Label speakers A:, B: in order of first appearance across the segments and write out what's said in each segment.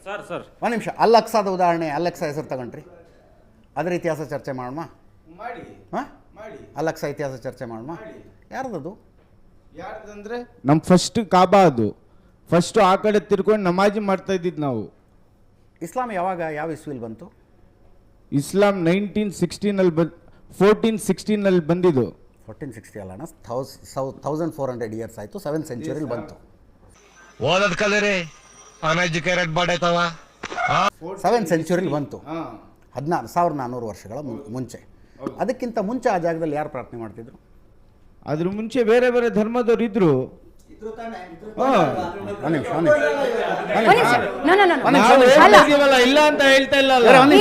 A: Sir
B: ಒಂದು ನಿಮಿಷ. ಅಲ್ ಅಕ್ಸಾದ ಉದಾಹರಣೆ, ಅಲ್ ಅಕ್ಸಾ ಹೆಸರು ತಗೊಂಡ್ರಿ, ಅದರ ಇತಿಹಾಸ ಚರ್ಚೆ ಮಾಡೋಣ.
C: ಮಾಡಿ
B: ಹಾಂ,
C: ಮಾಡಿ
B: ಅಲ್ ಅಕ್ಸಾ ಇತಿಹಾಸ ಚರ್ಚೆ ಮಾಡೋಣ. ಯಾರ್ದದು?
C: ಯಾರ್ದಂದ್ರೆ ನಮ್ಮ ಫಸ್ಟ್ ಕಾಬಾ, ಅದು ಫಸ್ಟು ಆ ಕಡೆ ತಿರ್ಕೊಂಡು ನಮಾಜಿ ಮಾಡ್ತಾ ಇದ್ದಿದ್ದು ನಾವು.
B: ಇಸ್ಲಾಂ ಯಾವಾಗ, ಯಾವ ಇಸ್ವಿಲ್ ಬಂತು?
C: ಇಸ್ಲಾಂ 1916 1416 ಬಂದಿದ್ದು.
B: 1460 ಅಲ್ಲ, 1400 ಇಯರ್ಸ್ ಆಯಿತು. 7th ಸೆಂಚುರಿಲಿ ಬಂತು.
D: ಓದದ್ ಕಲರಿ ಅನ್ಎಜುಕೇಟೆಡ್ ಬಾಡೈತವ.
B: 7th ಸೆಂಚುರಿಲಿ ಬಂತು. 1400 ವರ್ಷಗಳ ಮುಂಚೆ. ಅದಕ್ಕಿಂತ ಮುಂಚೆ ಆ ಜಾಗದಲ್ಲಿ ಯಾರು ಪ್ರಾರ್ಥನೆ ಮಾಡ್ತಿದ್ರು?
C: ಅದ್ರ ಮುಂಚೆ ಬೇರೆ ಬೇರೆ ಧರ್ಮದವ್ರು ಇದ್ರು. ಇಲ್ಲ ಅಂತ ಹೇಳ್ತಾ ಇಲ್ಲ.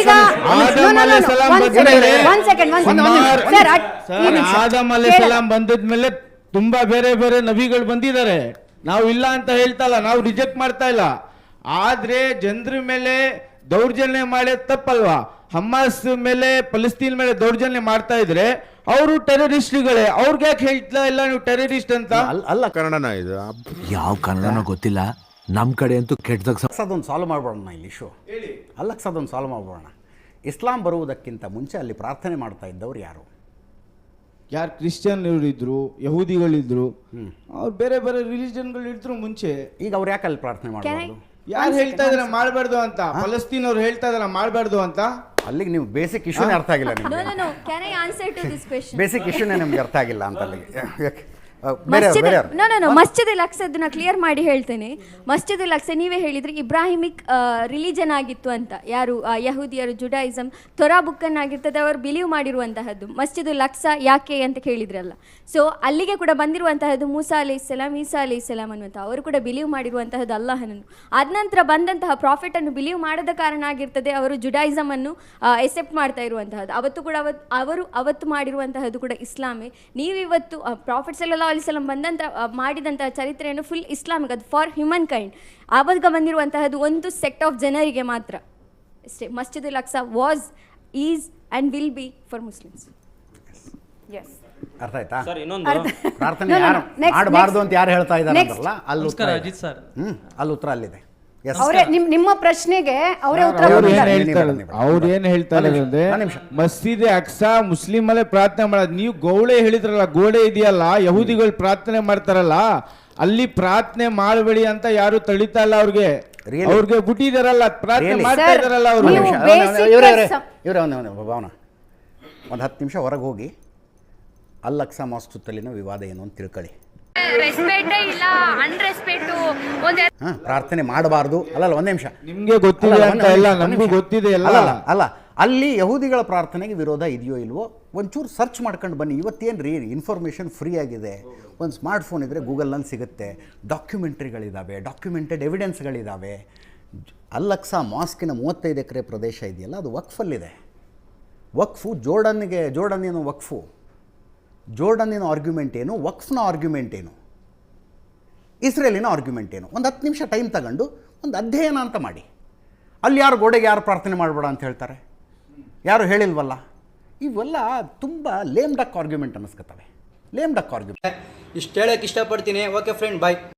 C: ಆದಮ್ ಅಲೈಹಿಸ್ಸಲಾಂ ಬಂದಿದ್ಮೇಲೆ ತುಂಬಾ ಬೇರೆ ಬೇರೆ ನಬಿಗಳು ಬಂದಿದ್ದಾರೆ. ನಾವು ಇಲ್ಲ ಅಂತ ಹೇಳ್ತಾ ಇಲ್ಲ, ನಾವು ರಿಜೆಕ್ಟ್ ಮಾಡ್ತಾ ಇಲ್ಲ. ಆದ್ರೆ ಜನರ ಮೇಲೆ ದೌರ್ಜನ್ಯ ಮಾಡಿ ತಪ್ಪಲ್ವಾ? ಹಮಾಸ್ ಮೇಲೆ, ಫಲಸ್ತೀನ್ ಮೇಲೆ ದೌರ್ಜನ್ಯ ಮಾಡ್ತಾ ಇದ್ರೆ ಅವರು ಟೆರರಿಸ್ಟ್ಗಳೇ. ಅವ್ರಿಗೆ ಯಾಕೆ ಹೇಳ್ತಾ ಇಲ್ಲ ನೀವು ಟೆರರಿಸ್ಟ್ ಅಂತ?
B: ಅಲ್ಲ,
D: ಕನ್ನಡನ ಇದು
E: ಯಾವ ಕನ್ನಡನೋ ಗೊತ್ತಿಲ್ಲ, ನಮ್ಮ ಕಡೆ ಅಂತೂ ಕೆಟ್ಟದಾಗ
B: ಅಕ್ಸಾದೊಂದು ಸಾಲ್ವ್ ಮಾಡ್ಬೋಣ ಇಲ್ಲಿ ಇಶ್ಯೂ. ಅಲ್ ಅಕ್ಸಾದೊಂದು ಸಾಲ್ವ್ ಮಾಡ್ಬೋಣ. ಇಸ್ಲಾಂ ಬರುವುದಕ್ಕಿಂತ ಮುಂಚೆ ಅಲ್ಲಿ ಪ್ರಾರ್ಥನೆ ಮಾಡ್ತಾ ಇದ್ದವ್ರು ಯಾರು?
C: ಯಾರು ಕ್ರಿಶ್ಚಿಯನ್ ಇದ್ರು, ಯಹೂದಿಗಳಿದ್ರು, ಅವ್ರು ಬೇರೆ ಬೇರೆ ರಿಲಿಜನ್ಗಳು ಇದ್ರು ಮುಂಚೆ.
B: ಈಗ ಅವ್ರು ಯಾಕೆ ಅಲ್ಲಿ ಪ್ರಾರ್ಥನೆ ಮಾಡಬಾರ್ದು?
C: ಯಾರು ಹೇಳ್ತಾ ಇದಾರೆ ಮಾಡಬಾರ್ದು ಅಂತ? ಫಲಸ್ತೀನ್ ಅವ್ರು ಹೇಳ್ತಾ ಇದಾರೆ ಮಾಡಬಾರ್ದು ಅಂತ.
B: ಅಲ್ಲಿಗೆ ನೀವು ಬೇಸಿಕ್ ಇಶ್ಯೂನೇ ಅರ್ಥ ಆಗಿಲ್ಲ ನಿಮಗೆ. ಬೇಸಿಕ್ ಇಶ್ಯೂನೇ ನಿಮ್ಗೆ ಅರ್ಥ ಆಗಿಲ್ಲ ಅಂತ ಅಲ್ಲಿಗೆ.
F: ಮಸ್ಜಿದ್ ಅಲ್ ಅಕ್ಸಾ ಕ್ಲಿಯರ್ ಮಾಡಿ ಹೇಳ್ತೇನೆ. ಮಸ್ಜಿದ್ ಅಲ್ ಅಕ್ಸಾ ನೀವೇ ಹೇಳಿದ್ರಿ ಇಬ್ರಾಹಿಮಿಕ್ ರಿಲಿಜನ್ ಆಗಿತ್ತು ಅಂತ. ಯಾರು ಯಹೂದಿಯರು, ಜುಡಾಯಿಸಮ್, ತೊರಾ ಬುಕ್ಕನ್ ಆಗಿರ್ತದೆ ಅವರು ಬಿಲೀವ್ ಮಾಡಿರುವಂತಹದ್ದು. ಮಸ್ಜಿದ್ ಅಲ್ ಅಕ್ಸಾ ಯಾಕೆ ಅಂತ ಕೇಳಿದ್ರಲ್ಲ, ಸೊ ಅಲ್ಲಿಗೆ ಕೂಡ ಬಂದಿರುವಂತಹದ್ದು ಮೂಸಾ ಅಲೈಹಿಸ್ಸಲಾಂ, ಈಸಾ ಅಲೈಹಿಸ್ಸಲಾಂ ಅನ್ನುವಂಥ ಅವರು ಕೂಡ ಬಿಲೀವ್ ಮಾಡಿರುವಂತಹದ್ದು ಅಲ್ಲಾಹನನ್ನು. ಆದ ನಂತರ ಬಂದಂತಹ ಪ್ರಾಫಿಟ್ ಅನ್ನು ಬಿಲೀವ್ ಮಾಡದ ಕಾರಣ ಆಗಿರ್ತದೆ ಅವರು ಜುಡಾಯಿಸಮ್ ಅನ್ನು ಎಸೆಪ್ಟ್ ಮಾಡ್ತಾ ಇರುವಂತಹದ್ದು. ಅವತ್ತು ಕೂಡ ಅವತ್ತು ಮಾಡಿರುವಂತಹದ್ದು ಕೂಡ ಇಸ್ಲಾಮೇ. ನೀವಿವತ್ತು ಪ್ರಾಫಿಟ್ ಸಲ್ಲಲ್ಲಾಹು ಅಲೈಹಿ ವಸಲ್ಲಂ ಬಂದಂತ ಮಾಡಿದಂತಹ ಚರಿತ್ರೆಯನ್ನು ಫುಲ್ ಇಸ್ಲಾಮಿಕ್, ಅದು ಫಾರ್ ಹ್ಯೂಮನ್ ಕೈಂಡ್. ಆವಾಗ ಬಂದಿರುವಂತಹದ್ದು ಒಂದು ಸೆಕ್ಟ್ ಆಫ್ ಜನರಿಗೆ ಮಾತ್ರ ಅಷ್ಟೇ. Masjid al Aqsa was, is and will be for Muslims.
B: ಅರ್ಥ ಆಯ್ತಾ?
A: ಸರ್ ಇನ್ನೊಂದು
B: ಪ್ರಾರ್ಥನೆ ಯಾರು ಮಾಡಬಾರ್ದು ಅಂತ ಯಾರು ಹೇಳ್ತಾ ಇದ್ದಾರೆ ಅಂದ್ರಲ್ಲ, ಅಲ್ಲಿ ಉತ್ತರ
A: ಅಜಿತ್ ಸರ್,
B: ಅಲ್ಲಿ ಉತ್ತರ ಅಲ್ಲಿದೆ.
G: ನಿಮ್ಮ ಪ್ರಶ್ನೆಗೆ ಅವರೇ ಉತ್ತರ
C: ಅವ್ರು ಏನ್ ಹೇಳ್ತಾರೆ ಅಂದ್ರೆ, ಮಸ್ಜಿದ್ ಅಕ್ಸಾ ಮುಸ್ಲಿಮಲ್ಲೇ ಪ್ರಾರ್ಥನೆ ಮಾಡೋದು. ನೀವು ಗೋಡೆ ಹೇಳಿದ್ರಲ್ಲ, ಗೋಡೆ ಇದೆಯಲ್ಲ, ಯಹೂದಿಗಳು ಪ್ರಾರ್ಥನೆ ಮಾಡ್ತಾರಲ್ಲ, ಅಲ್ಲಿ ಪ್ರಾರ್ಥನೆ ಮಾಡಬೇಡಿ ಅಂತ ಯಾರು ತಳಿತಾ ಇಲ್ಲ ಅವ್ರಿಗೆ. ಅವ್ರಿಗೆ ಬಿಟ್ಟಿದಾರಲ್ಲ, ಪ್ರಾರ್ಥನೆ ಮಾಡ್ತಾ ಇದಾರಲ್ಲ ಅವರು.
B: ಇವರೇ ಭಾವನಾ, ಒಂದು 10 ನಿಮಿಷ ಹೊರಗೆ ಹೋಗಿ ಅಲ್ ಅಕ್ಸಾ ಮಾಸ್ಕ್ ಸುತ್ತಲಿನ ವಿವಾದ ಏನು ಅಂತ ತಿಳ್ಕೊಳ್ಳಿ. ಪ್ರಾರ್ಥನೆ ಮಾಡಬಾರ್ದು ಅಲ್ಲಲ್ಲ, ಒಂದ್ ನಿಮಿಷ.
C: ನಿಮ್ಗೆ ಗೊತ್ತಿದೆ ಅಂತ ಇಲ್ಲ, ನಮಗೂ ಗೊತ್ತಿದೆ
B: ಅಲ್ಲ. ಅಲ್ಲಿ ಯಹೂದಿಗಳ ಪ್ರಾರ್ಥನೆಗೆ ವಿರೋಧ ಇದೆಯೋ ಇಲ್ವೋ ಒಂಚೂರು ಸರ್ಚ್ ಮಾಡ್ಕೊಂಡು ಬನ್ನಿ. ಇವತ್ತೇನು ಇನ್ಫಾರ್ಮೇಷನ್ ಫ್ರೀ ಆಗಿದೆ. ಒಂದು ಸ್ಮಾರ್ಟ್ ಫೋನ್ ಇದ್ದರೆ ಗೂಗಲ್ನಲ್ಲಿ ಸಿಗುತ್ತೆ. ಡಾಕ್ಯುಮೆಂಟ್ರಿಗಳಿದ್ದಾವೆ, ಡಾಕ್ಯುಮೆಂಟೆಡ್ ಎವಿಡೆನ್ಸ್ಗಳಿದ್ದಾವೆ. ಅಲ್ ಅಕ್ಸಾ ಮಾಸ್ಕಿನ 35 ಎಕರೆ ಪ್ರದೇಶ ಇದೆಯಲ್ಲ, ಅದು ವಕ್ಫಲ್ಲಿದೆ. ವಕ್ಫು ಜೋರ್ಡನ್ ಏನು ವಕ್ಫು? ಜೋರ್ಡನ್ನಿನ ಆರ್ಗ್ಯುಮೆಂಟ್ ಏನು? ವಕ್ಫ್ನ ಆರ್ಗ್ಯುಮೆಂಟ್ ಏನು? ಇಸ್ರೇಲಿನ ಆರ್ಗ್ಯುಮೆಂಟ್ ಏನು? ಒಂದು 10 ನಿಮಿಷ ಟೈಮ್ ತಗೊಂಡು ಒಂದು ಅಧ್ಯಯನ ಅಂತ ಮಾಡಿ. ಅಲ್ಲಿ ಯಾರು ಗೋಡೆಗೆ ಯಾರು ಪ್ರಾರ್ಥನೆ ಮಾಡಬೇಡ ಅಂತ ಹೇಳ್ತಾರೆ? ಯಾರು ಹೇಳಿಲ್ವಲ್ಲ. ಇವೆಲ್ಲ ತುಂಬ ಲೇಮ್ ಡಕ್ ಆರ್ಗ್ಯುಮೆಂಟ್ ಅನ್ನಿಸ್ಕೊತವೆ. Lame duck argument.
H: ಇಷ್ಟು ಹೇಳಕ್ಕೆ ಇಷ್ಟಪಡ್ತೀನಿ. ಓಕೆ ಫ್ರೆಂಡ್, ಬಾಯ್.